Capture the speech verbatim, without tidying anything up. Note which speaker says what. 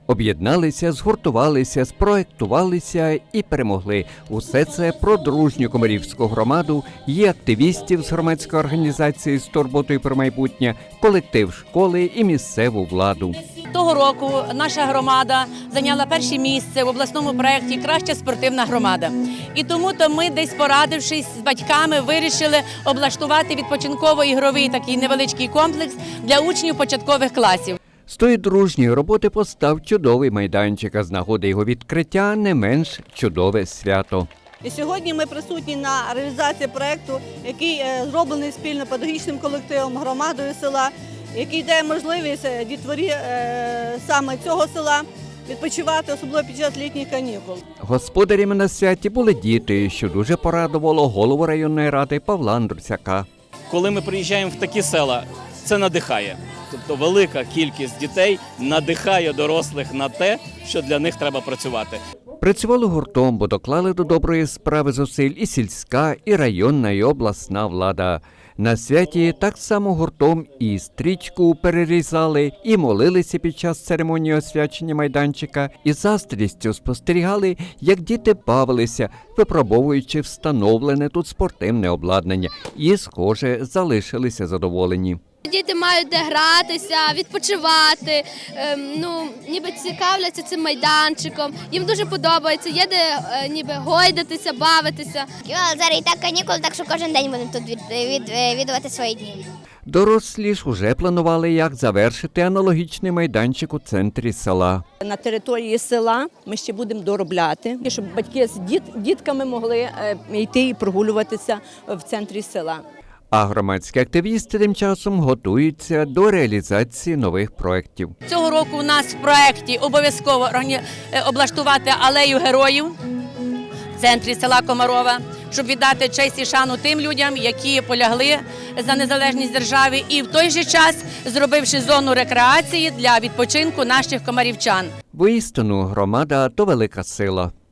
Speaker 1: Об'єдналися, згуртувалися, спроектувалися і перемогли. Усе це про дружню комарівську громаду, її активістів з громадської організації з турботою про майбутнє, колектив школи і місцеву владу.
Speaker 2: Того року наша громада зайняла перше місце в обласному проєкті «Краща спортивна громада». І тому-то ми, десь порадившись з батьками, вирішили облаштувати відпочинково-ігровий такий невеличкий комплекс для учнів початкових класів.
Speaker 1: З тої дружньої роботи постав чудовий майданчик, а з нагоди його відкриття не менш чудове свято.
Speaker 3: І сьогодні ми присутні на реалізації проєкту, який зроблений спільно педагогічним колективом, громадою села, який дає можливість дітворі саме цього села відпочивати, особливо під час літніх канікул.
Speaker 1: Господарями на святі були діти, що дуже порадувало голову районної ради Павла Андрусяка.
Speaker 4: Коли ми приїжджаємо в такі села, це надихає. Тобто велика кількість дітей надихає дорослих на те, що для них треба працювати.
Speaker 1: Працювали гуртом, бо доклали до доброї справи зусиль і сільська, і районна, і обласна влада. На святі так само гуртом і стрічку перерізали, і молилися під час церемонії освячення майданчика, і заздрістю спостерігали, як діти бавилися, випробовуючи встановлене тут спортивне обладнання, і, схоже, залишилися задоволені.
Speaker 5: Діти мають де гратися, відпочивати, ем, ну, ніби цікавляться цим майданчиком. Їм дуже подобається, є де е, ніби гойдатися, бавитися.
Speaker 6: Зараз і так канікули, так що кожен день будемо тут від, від, відвідувати свої дні.
Speaker 1: Дорослі ж уже планували, як завершити аналогічний майданчик у центрі села.
Speaker 7: На території села ми ще будемо доробляти, щоб батьки з діт, дітками могли е, йти і прогулюватися в центрі села.
Speaker 1: А громадські активісти тим часом готуються до реалізації нових проєктів.
Speaker 2: Цього року у нас в проєкті обов'язково облаштувати алею героїв в центрі села Комарова, щоб віддати честь і шану тим людям, які полягли за незалежність держави, і в той же час зробивши зону рекреації для відпочинку наших комарівчан.
Speaker 1: Воістину, громада – то велика сила.